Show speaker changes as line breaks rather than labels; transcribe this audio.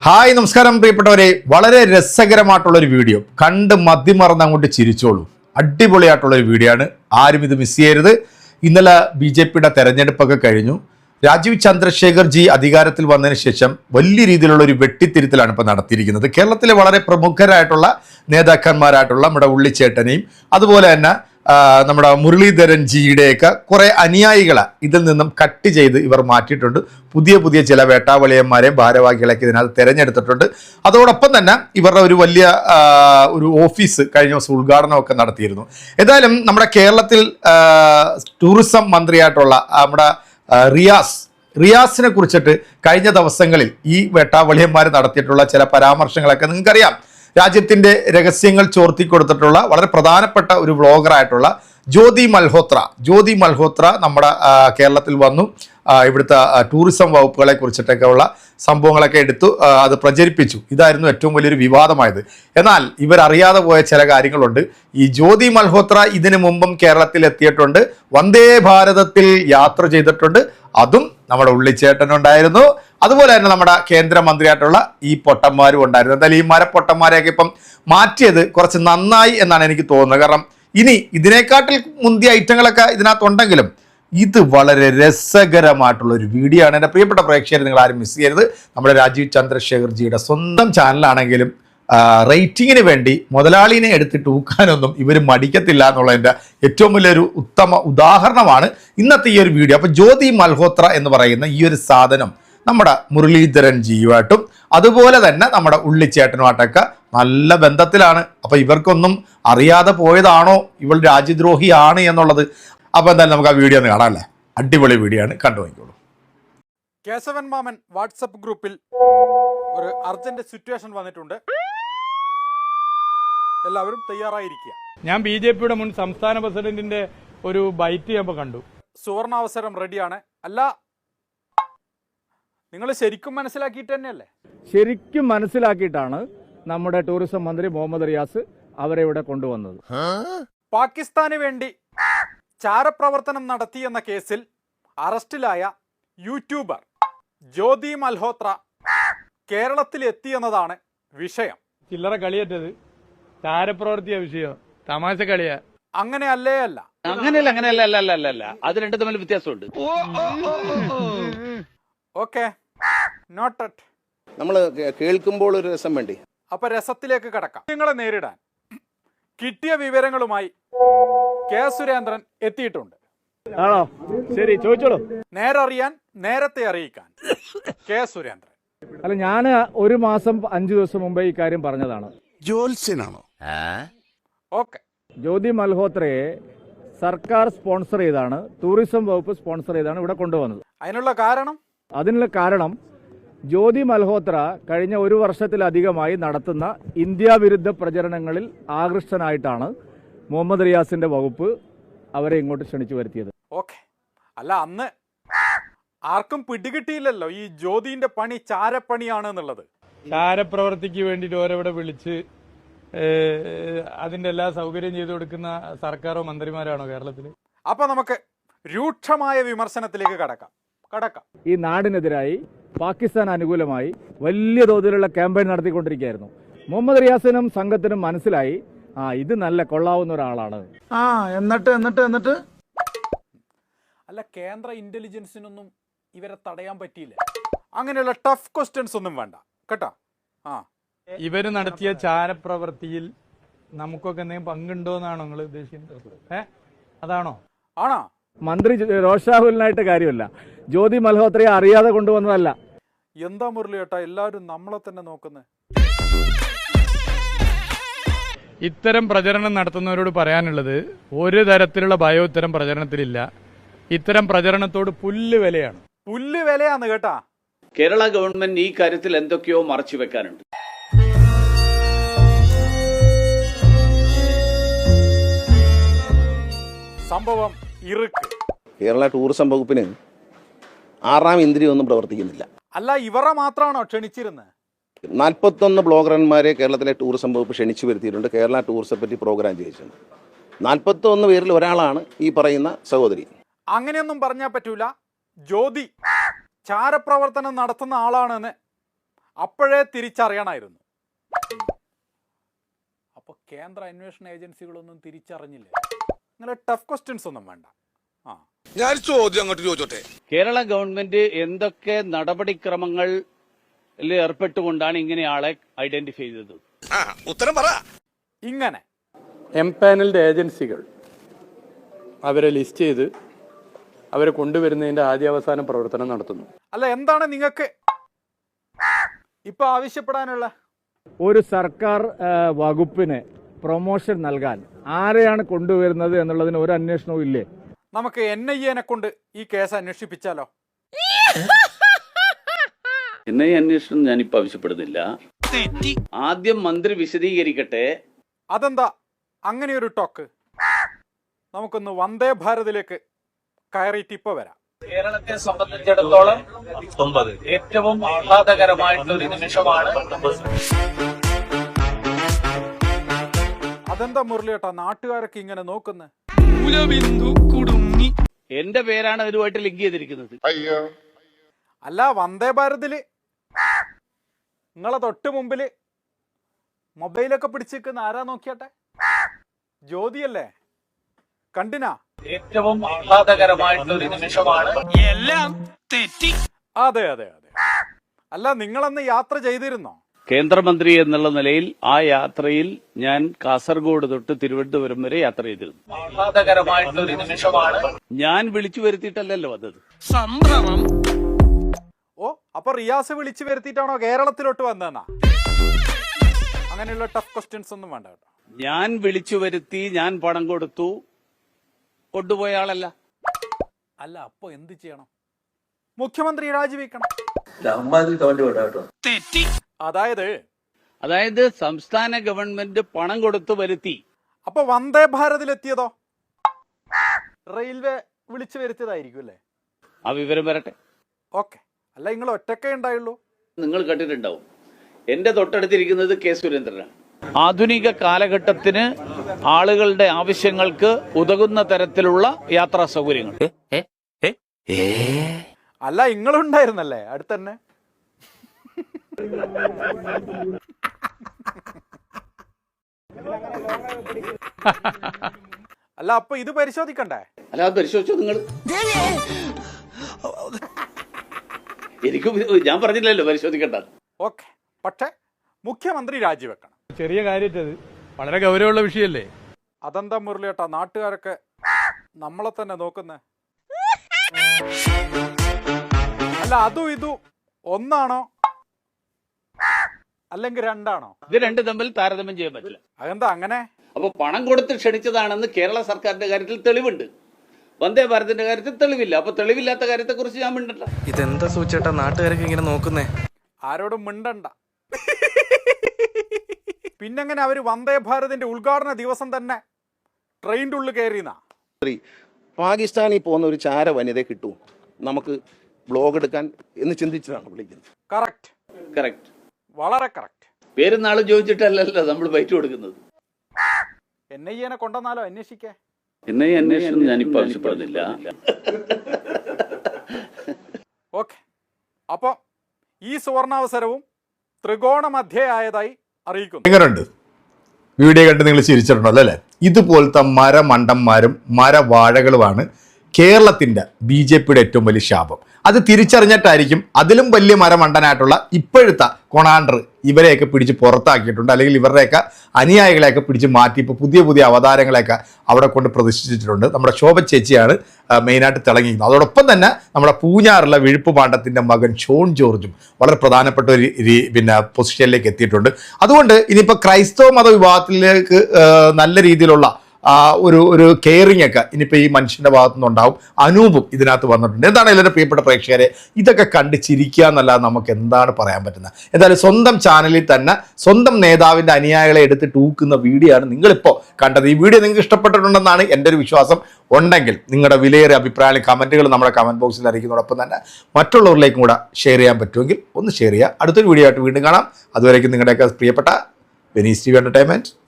Hi നമസ്കാരം പ്രിയപ്പെട്ടവരെ, വളരെ രസകരമായിട്ടുള്ളൊരു വീഡിയോ കണ്ട് മതിമറന്ന് അങ്ങോട്ട് ചിരിച്ചോളൂ. അടിപൊളിയായിട്ടുള്ളൊരു വീഡിയോ ആണ്, ആരും ഇത് മിസ് ചെയ്യരുത്. ഇന്നലെ BJP തെരഞ്ഞെടുപ്പൊക്കെ കഴിഞ്ഞു. രാജീവ് ചന്ദ്രശേഖർ ജി അധികാരത്തിൽ വന്നതിന് ശേഷം വലിയ രീതിയിലുള്ള ഒരു വെട്ടിത്തിരുത്തലാണ് ഇപ്പോൾ നടത്തിയിരിക്കുന്നത്. കേരളത്തിലെ വളരെ പ്രമുഖരായിട്ടുള്ള നേതാക്കന്മാരായിട്ടുള്ള നമ്മുടെ ഉള്ളിച്ചേട്ടനെയും അതുപോലെ തന്നെ നമ്മുടെ മുരളീധരൻ ജിയുടെയൊക്കെ കുറേ അനുയായികളെ ഇതിൽ നിന്നും കട്ട് ചെയ്ത് ഇവർ മാറ്റിയിട്ടുണ്ട്. പുതിയ ചില വേട്ടാവളിയന്മാരെയും ഭാരവാഹികളൊക്കെ ഇതിനകത്ത് തിരഞ്ഞെടുത്തിട്ടുണ്ട്. അതോടൊപ്പം തന്നെ ഇവരുടെ ഒരു വലിയ ഒരു ഓഫീസ് കഴിഞ്ഞ ദിവസം ഉദ്ഘാടനമൊക്കെ നടത്തിയിരുന്നു. ഏതായാലും നമ്മുടെ കേരളത്തിൽ ടൂറിസം മന്ത്രിയായിട്ടുള്ള നമ്മുടെ റിയാസിനെ കുറിച്ചിട്ട് കഴിഞ്ഞ ദിവസങ്ങളിൽ ഈ വേട്ടാവളിയന്മാർ നടത്തിയിട്ടുള്ള ചില പരാമർശങ്ങളൊക്കെ നിങ്ങൾക്കറിയാം. രാജ്യത്തിൻ്റെ രഹസ്യങ്ങൾ ചോർത്തി കൊടുത്തിട്ടുള്ള വളരെ പ്രധാനപ്പെട്ട ഒരു വ്ളോഗറായിട്ടുള്ള ജ്യോതി മൽഹോത്ര നമ്മുടെ കേരളത്തിൽ വന്നു. ഇവിടുത്തെ ടൂറിസം വകുപ്പുകളെ കുറിച്ചിട്ടൊക്കെ ഉള്ള സംഭവങ്ങളൊക്കെ എടുത്തു അത് പ്രചരിപ്പിച്ചു. ഇതായിരുന്നു ഏറ്റവും വലിയൊരു വിവാദമായത്. എന്നാൽ ഇവരറിയാതെ പോയ ചില കാര്യങ്ങളുണ്ട്. ഈ ജ്യോതി മൽഹോത്ര ഇതിനു മുമ്പും കേരളത്തിൽ എത്തിയിട്ടുണ്ട്, വന്ദേ ഭാരതത്തിൽ യാത്ര ചെയ്തിട്ടുണ്ട്. അതും നമ്മുടെ ഉള്ളിച്ചേട്ടനുണ്ടായിരുന്നു. അതുപോലെ തന്നെ നമ്മുടെ കേന്ദ്രമന്ത്രിയായിട്ടുള്ള ഈ പൊട്ടന്മാരും ഉണ്ടായിരുന്നു. എന്തായാലും ഈ മരപ്പൊട്ടന്മാരെയൊക്കെ ഇപ്പം മാറ്റിയത് കുറച്ച് നന്നായി എന്നാണ് എനിക്ക് തോന്നുന്നത്. കാരണം ഇനി ഇതിനെക്കാട്ടിൽ മുന്തിയ ഐറ്റങ്ങളൊക്കെ ഇതിനകത്തുണ്ടെങ്കിലും ഇത് വളരെ രസകരമായിട്ടുള്ള ഒരു വീഡിയോ ആണ്. എൻ്റെ പ്രിയപ്പെട്ട പ്രേക്ഷകർ, നിങ്ങൾ ആരും മിസ് ചെയ്യരുത്. നമ്മുടെ രാജീവ് ചന്ദ്രശേഖർ ജിയുടെ സ്വന്തം ചാനലാണെങ്കിലും റേറ്റിങ്ങിന് വേണ്ടി മുതലാളിനെ എടുത്തിട്ട് ഊക്കാനൊന്നും ഇവർ മടിക്കത്തില്ല എന്നുള്ളതിൻ്റെ ഏറ്റവും വലിയൊരു ഉത്തമ ഉദാഹരണമാണ് ഇന്നത്തെ ഈ ഒരു വീഡിയോ. അപ്പോൾ ജ്യോതി മൽഹോത്ര എന്ന് പറയുന്ന ഈ ഒരു സാധനം നമ്മുടെ മുരളീധരൻ ജിയുമായിട്ടും അതുപോലെ തന്നെ നമ്മുടെ ഉള്ളിച്ചേട്ടനുമായിട്ടൊക്കെ നല്ല ബന്ധത്തിലാണ്. അപ്പോൾ ഇവർക്കൊന്നും അറിയാതെ പോയതാണോ ഇവൾ രാജ്യദ്രോഹിയാണ് എന്നുള്ളത്? അപ്പോൾ എന്തായാലും നമുക്ക് ആ വീഡിയോ ഒന്ന് കാണാം അല്ലേ? അടിപൊളി വീഡിയോ ആണ്, കണ്ടു നോക്കിക്കോളൂ.
കേശവൻ മാമൻ വാട്സപ്പ് ഗ്രൂപ്പിൽ ഒരു അർജന്റ് സിറ്റുവേഷൻ വന്നിട്ടുണ്ട്, എല്ലാവരും തയ്യാറായിരിക്കുക.
ഞാൻ BJP മുൻ സംസ്ഥാന പ്രസിഡന്റിന്റെ ഒരു ബൈറ്റ് ഞാൻ കണ്ടു.
സുവർണാവസരം റെഡിയാണ്. അല്ല, നിങ്ങൾ ശരിക്കും മനസ്സിലാക്കിയിട്ട് തന്നെയല്ലേ?
ശരിക്കും മനസ്സിലാക്കിയിട്ടാണ് നമ്മുടെ ടൂറിസം മന്ത്രി മുഹമ്മദ് റിയാസ് അവരെ ഇവിടെ കൊണ്ടുവന്നത്.
പാകിസ്ഥാന് വേണ്ടി ചാരപ്രവർത്തനം നടത്തിയെന്ന കേസിൽ അറസ്റ്റിലായ യൂട്യൂബർ ജ്യോതി മൽഹോത്ര കേരളത്തിൽ എത്തിയെന്നതാണ് വിഷയം.
ചില്ലറ കളിയേറ്റത് ചാരപ്രവർത്തിയ വിഷയം, തമാശ കളിയാ.
അങ്ങനെയല്ലേ? അല്ല,
അങ്ങനെയല്ല. അത് രണ്ടും തമ്മിൽ വ്യത്യാസമുണ്ട്.
Okay, noted.
നമ്മൾ കേൾക്കുമ്പോൾ ഒരു രസം വേണ്ടി.
അപ്പൊ രസത്തിലേക്ക് കടക്കാം. നിങ്ങളെ നേരിടാൻ കിട്ടിയ വിവരങ്ങളുമായി കെ സുരേന്ദ്രൻ എത്തിയിട്ടുണ്ട്.
ആണോ? ശരി, ചോദിച്ചോളൂ.
നേരറിയാൻ നേരത്തെ അറിയിക്കാൻ കെ സുരേന്ദ്രൻ.
അല്ല, ഞാൻ 1 മാസം 5 ദിവസം മുമ്പേ ഈ കാര്യം പറഞ്ഞതാണ്.
ജോത്സ്യനാണോ?
ഓക്കെ.
ജ്യോതി മൽഹോത്രയെ സർക്കാർ സ്പോൺസർ ചെയ്താണ്, ടൂറിസം വകുപ്പ് സ്പോൺസർ ചെയ്താണ് ഇവിടെ കൊണ്ടുവന്നത്.
അതിനുള്ള കാരണം
ജ്യോതി മൽഹോത്ര കഴിഞ്ഞ 1 വർഷത്തിലധികമായി നടത്തുന്ന ഇന്ത്യ വിരുദ്ധ പ്രചരണങ്ങളിൽ ആകൃഷ്ടനായിട്ടാണ് മുഹമ്മദ് റിയാസിന്റെ വകുപ്പ് അവരെ ഇങ്ങോട്ട് ക്ഷണിച്ചു വരുത്തിയത്.
ഓക്കെ. അല്ല, അന്ന് ആർക്കും പിടികിട്ടിയില്ലല്ലോ ഈ ജ്യോതിന്റെ പണി ചാരപ്പണിയാണ് എന്നുള്ളത്.
ചാരപ്രവർത്തിക്ക് വേണ്ടിയിട്ട് ഓരോവിടെ വിളിച്ച് അതിന്റെ എല്ലാ സൗകര്യം ചെയ്തു കൊടുക്കുന്ന സർക്കാരോ മന്ത്രിമാരാണോ കേരളത്തിൽ?
അപ്പൊ നമുക്ക് രൂക്ഷമായ വിമർശനത്തിലേക്ക് കടക്കാം.
ഈ നാടിനെതിരായി പാകിസ്ഥാൻ അനുകൂലമായി വലിയ തോതിലുള്ള ക്യാമ്പയിൻ നടത്തിക്കൊണ്ടിരിക്കുകയായിരുന്നു. മുഹമ്മദ് റിയാസിനും സംഘത്തിനും മനസ്സിലായി, ഇത് നല്ല കൊള്ളാവുന്ന ഒരാളാണ്.
എന്നിട്ട് അല്ല, കേന്ദ്ര ഇന്റലിജൻസിനൊന്നും ഇവരെ തടയാൻ പറ്റിയില്ല. അങ്ങനെയുള്ള ടഫ് ക്വസ്റ്റ്യൻസ് ഒന്നും വേണ്ട കേട്ടോ.
ഇവര് നടത്തിയ ചാരപ്രവർത്തിയിൽ നമുക്കൊക്കെ എന്തെങ്കിലും പങ്കുണ്ടോ എന്നാണോ നിങ്ങൾ ഉദ്ദേശിക്കുന്നത്? അതാണോ?
ആണോ?
മന്ത്രി രോഷാഹുലിനായിട്ട് കാര്യമല്ല, ജ്യോതി മൽഹോത്രയെ അറിയാതെ കൊണ്ടുവന്നതല്ല.
എന്താ മുരളി ഏട്ടാ, എല്ലാവരും നമ്മളെ തന്നെ നോക്കുന്നത്?
ഇത്തരം പ്രചരണം നടത്തുന്നവരോട് പറയാനുള്ളത്, ഒരു തരത്തിലുള്ള ഭയം ഇത്തരം പ്രചരണത്തിലില്ല. ഇത്തരം പ്രചരണത്തോട് പുല്ല് വിലയാണ്
കേട്ടാ.
കേരള ഗവൺമെന്റ് ഈ കാര്യത്തിൽ എന്തൊക്കെയോ മറച്ചു വെക്കാനുണ്ട്.
സംഭവം ഇറുക്ക്.
കേരള ടൂറിസം വകുപ്പിന് 6ാം ഇന്ദ്രിയൊന്നും പ്രവർത്തിക്കുന്നില്ല.
അല്ല, ഇവരെ മാത്രമാണോ ക്ഷണിച്ചിരുന്നത്?
41 ബ്ലോഗർമാരെ കേരളത്തിലെ ടൂറിസം വകുപ്പ് ക്ഷണിച്ചു വരുത്തിയിട്ടുണ്ട്. കേരള ടൂറിസത്തെ പറ്റി പ്രോഗ്രാം ചെയ്യിച്ചിട്ടുണ്ട്. 41 പേരിൽ ഒരാളാണ് ഈ പറയുന്ന സഹോദരി.
അങ്ങനെയൊന്നും പറഞ്ഞാൽ പറ്റൂല. ജ്യോതി ചാരപ്രവർത്തനം നടത്തുന്ന ആളാണെന്ന് അപ്പോഴേ തിരിച്ചറിയണമായിരുന്നു. അപ്പോൾ കേന്ദ്ര അന്വേഷണ ഏജൻസികളൊന്നും തിരിച്ചറിഞ്ഞില്ലേ? ഇങ്ങനെ ടഫ് ക്വസ്റ്റ്യൻസ് ഒന്നും വേണ്ട.
ഞാൻ ചോദ്യം അങ്ങോട്ട് ചോദിച്ചോട്ടെ.
കേരള ഗവൺമെന്റ് എന്തൊക്കെ നടപടിക്രമങ്ങളിൽ ഏർപ്പെട്ടുകൊണ്ടാണ് ഇങ്ങനെ ആളെ ഐഡന്റിഫൈ ചെയ്തത്?
ഉത്തരം പറ.
ഇങ്ങനെ
എംപാനൽഡ് ഏജൻസികൾ അവരെ ലിസ്റ്റ് ചെയ്ത് അവരെ കൊണ്ടുവരുന്നതിന്റെ ആദ്യാവസാന പ്രവർത്തനം നടത്തുന്നു.
അല്ല, എന്താണ് നിങ്ങൾക്ക് ഇപ്പൊ ആവശ്യപ്പെടാനുള്ള?
ഒരു സർക്കാർ വകുപ്പിന് പ്രൊമോഷൻ നൽകാൻ ആരെയാണ് കൊണ്ടുവരുന്നത് എന്നുള്ളതിന് ഒരു അന്വേഷണവും ഇല്ലേ?
നമുക്ക് NIA കൊണ്ട് ഈ കേസ് അന്വേഷിപ്പിച്ചാലോ?
എന്നെ അന്വേഷണം ഞാനിപ്പോ ആവശ്യപ്പെടുന്നില്ല. ആദ്യം മന്ത്രി വിശദീകരിക്കട്ടെ.
അതെന്താ അങ്ങനെ ഒരു ടോക്ക്? നമുക്കൊന്ന് വന്ദേ ഭാരതിലേക്ക് കയറിയിട്ട് ഇപ്പൊ വരാം.
കേരളത്തെ സംബന്ധിച്ചിടത്തോളം ഏറ്റവും ആഹ്ലാദകരമായിട്ടുള്ള ഒരു നിമിഷമാണ്.
അതെന്താ മുരളിയേട്ടാ നാട്ടുകാരൊക്കെ ഇങ്ങനെ നോക്കുന്നത്?
എന്റെ പേരാണ് അതുമായിട്ട് ലിങ്ക് ചെയ്തിരിക്കുന്നത്.
അല്ല, വന്ദേ ഭാരതില് നിങ്ങളെ തൊട്ട് മുമ്പില് മൊബൈലൊക്കെ പിടിച്ചിരിക്കുന്ന ആരാ നോക്കിയാട്ടെ? ജ്യോതിയല്ലേ? കണ്ടിനാ?
ഏറ്റവും ആഹ്ലാദകരമായിട്ടുള്ള ഒരു നിമിഷമാണ്.
അതെ അതെ അതെ. അല്ല, നിങ്ങളന്ന് യാത്ര ചെയ്തിരുന്നോ?
കേന്ദ്രമന്ത്രി എന്നുള്ള നിലയിൽ ആ യാത്രയിൽ ഞാൻ കാസർഗോഡ് തൊട്ട് തിരുവനന്തപുരം വരെ യാത്ര ചെയ്തിരുന്നു. ആഹ്ലാദകരമായിട്ടുള്ള ഒരു നിമിഷമാണ്. ഞാൻ വിളിച്ചു വരുത്തിയിട്ടല്ലല്ലോ വന്നത്.
ഓ, അപ്പൊ റിയാസ് വിളിച്ചു വരുത്തിയിട്ടാണോ കേരളത്തിലോട്ട് വന്നതെന്നാ? അങ്ങനെയുള്ള ടഫ് ക്വസ്റ്റ്യൻസ് ഒന്നും വേണ്ട കേട്ടോ.
ഞാൻ വിളിച്ചു വരുത്തി, ഞാൻ പണം കൊടുത്തു, കൊണ്ടുപോയ ആളല്ല.
അല്ല, അപ്പൊ എന്ത് ചെയ്യണം? മുഖ്യമന്ത്രി രാജിവെക്കണം.
അതായത് സംസ്ഥാന ഗവൺമെന്റ് പണം കൊടുത്തു വരുത്തി.
അപ്പൊ വന്ദേ ഭാരതിലെത്തിയതോ റെയിൽവേ വിളിച്ചു വരുത്തിയതായിരിക്കും അല്ലേ?
ആ വിവരം വരട്ടെ.
ഓക്കെ. അല്ല, നിങ്ങൾ ഒറ്റക്കേ ഉണ്ടായുള്ളൂ?
നിങ്ങൾ കണ്ടിട്ടുണ്ടാവും. എന്റെ തൊട്ടടുത്തിരിക്കുന്നത് കെ സുരേന്ദ്രനാണ്. ആധുനിക കാലഘട്ടത്തിന് ആളുകളുടെ ആവശ്യങ്ങൾക്ക് ഉതകുന്ന തരത്തിലുള്ള യാത്രാ സൗകര്യങ്ങൾ.
അല്ല, നിങ്ങളുണ്ടായിരുന്നല്ലേ അടുത്തന്നെ? അല്ല, അപ്പൊ ഇത് പരിശോധിക്കണ്ടേ?
അല്ല, അത് പരിശോധിച്ചോ നിങ്ങൾ? എനിക്ക് ഞാൻ പറഞ്ഞില്ലല്ലോ പരിശോധിക്കണ്ട.
ഓക്കെ, പക്ഷെ മുഖ്യമന്ത്രി രാജിവെക്കണം.
ചെറിയ കാര്യത്തത് വളരെ ഗൗരവമുള്ള വിഷയമല്ലേ?
അതെന്താ മുരളിയേട്ടാ നാട്ടുകാരൊക്കെ നമ്മളെ തന്നെ നോക്കുന്നേ? അല്ല, അതും ഇതും ഒന്നാണോ അല്ലെങ്കിൽ രണ്ടാണോ?
ഇത് രണ്ട് തമ്മിൽ താരതമ്യം ചെയ്യാൻ പറ്റില്ല.
അതെന്താ അങ്ങനെ?
അപ്പൊ പണം കൊടുത്ത് ക്ഷണിച്ചതാണെന്ന് കേരള സർക്കാരിന്റെ കാര്യത്തിൽ തെളിവുണ്ട്. വന്ദേ ഭാരതിന്റെ കാര്യത്തിൽ തെളിവില്ല. അപ്പൊ തെളിവില്ലാത്ത കാര്യത്തെ കുറിച്ച് ഞാൻ മിണ്ടല്ല.
ഇതെന്താ സൂചേട്ടാ നാട്ടുകാരൊക്കെ ഇങ്ങനെ നോക്കുന്നേ?
ആരോടും മിണ്ടണ്ട. പിന്നെങ്ങനെ അവര് വന്ദേ ഭാരതിന്റെ ഉദ്ഘാടന ദിവസം തന്നെ ട്രെയിനിന്റെ ഉള്ളിൽ കയറിയെന്നാ?
പാകിസ്ഥാനിൽ പോകുന്ന ഒരു ചാര വനിതയെ കിട്ടൂ നമുക്ക് ബ്ലോഗ് എടുക്കാൻ എന്ന് ചിന്തിച്ചതാണ് വിളിക്കുന്നത്.
കറക്റ്റ്,
വളരെ കറക്റ്റ്.
പേരും നാളും ചോദിച്ചിട്ടല്ലല്ലോ നമ്മൾ ബൈറ്റ് കൊടുക്കുന്നത്.
NIA കൊണ്ടുവന്നാലോ അന്വേഷിക്കേ?
NIA അന്വേഷണം ഞാനിപ്പോ ആവശ്യപ്പെടുന്നില്ല.
ഓക്കെ. അപ്പൊ ഈ സുവർണാവസരവും ത്രികോണ മധ്യയായതായി അറിയിക്കുന്നു.
എങ്ങനെയുണ്ട്? വീഡിയോ കണ്ട് നിങ്ങൾ ചിരിച്ചിട്ടുണ്ടല്ലോ അല്ലേ? ഇതുപോലത്തെ മരമണ്ടന്മാരും മരവാഴകളുമാണ് കേരളത്തിൻ്റെ BJPയുടെ ഏറ്റവും വലിയ ശാപം. അത് തിരിച്ചറിഞ്ഞിട്ടായിരിക്കും അതിലും വലിയ മരമണ്ടനായിട്ടുള്ള ഇപ്പോഴത്തെ കൊണാണ്ടർ ഇവരെയൊക്കെ പിടിച്ച് പുറത്താക്കിയിട്ടുണ്ട്. അല്ലെങ്കിൽ ഇവരുടെയൊക്കെ അനുയായികളെയൊക്കെ പിടിച്ച് മാറ്റി ഇപ്പോൾ പുതിയ അവതാരങ്ങളെയൊക്കെ അവിടെ കൊണ്ട് പ്രതിഷ്ഠിച്ചിട്ടുണ്ട്. നമ്മുടെ ശോഭ ചേച്ചിയാണ് മെയിനായിട്ട് തിളങ്ങിയിരിക്കുന്നത്. അതോടൊപ്പം തന്നെ നമ്മുടെ പൂഞ്ഞാറുള്ള വിഴുപ്പ് പാണ്ഡത്തിൻ്റെ മകൻ ഷോൺ ജോർജും വളരെ പ്രധാനപ്പെട്ട ഒരു പൊസിഷനിലേക്ക് എത്തിയിട്ടുണ്ട്. അതുകൊണ്ട് ഇനിയിപ്പോൾ ക്രൈസ്തവ മതവിഭാഗത്തിലേക്ക് നല്ല രീതിയിലുള്ള ഒരു കെയറിംഗ് ഒക്കെ ഇനിയിപ്പോൾ ഈ മനുഷ്യൻ്റെ ഭാഗത്തു നിന്നുണ്ടാവും. അനൂപും ഇതിനകത്ത് വന്നിട്ടുണ്ട്. എന്താണ് എല്ലാവരും പ്രിയപ്പെട്ട പ്രേക്ഷകരെ, ഇതൊക്കെ കണ്ട് ചിരിക്കുക എന്നല്ലാതെ നമുക്ക് എന്താണ് പറയാൻ പറ്റുന്നത്? എന്തായാലും സ്വന്തം ചാനലിൽ തന്നെ സ്വന്തം നേതാവിൻ്റെ അനുയായികളെ എടുത്തിട്ട് ഊക്കുന്ന വീഡിയോ ആണ് നിങ്ങളിപ്പോൾ കണ്ടത്. ഈ വീഡിയോ നിങ്ങൾക്ക് ഇഷ്ടപ്പെട്ടിട്ടുണ്ടെന്നാണ് എൻ്റെ ഒരു വിശ്വാസം. ഉണ്ടെങ്കിൽ നിങ്ങളുടെ വിലയേറിയ അഭിപ്രായങ്ങളും കമൻറ്റുകൾ നമ്മുടെ കമൻറ്റ് ബോക്സിൽ അറിയിക്കുന്നതോടൊപ്പം തന്നെ മറ്റുള്ളവരിലേക്കും കൂടെ ഷെയർ ചെയ്യാൻ പറ്റുമെങ്കിൽ ഒന്ന് ഷെയർ ചെയ്യുക. അടുത്തൊരു വീഡിയോ ആയിട്ട് വീണ്ടും കാണാം. അതുവരേക്കും നിങ്ങളുടെയൊക്കെ പ്രിയപ്പെട്ട വെനീസ് TV എൻ്റർടൈൻമെൻറ്റ്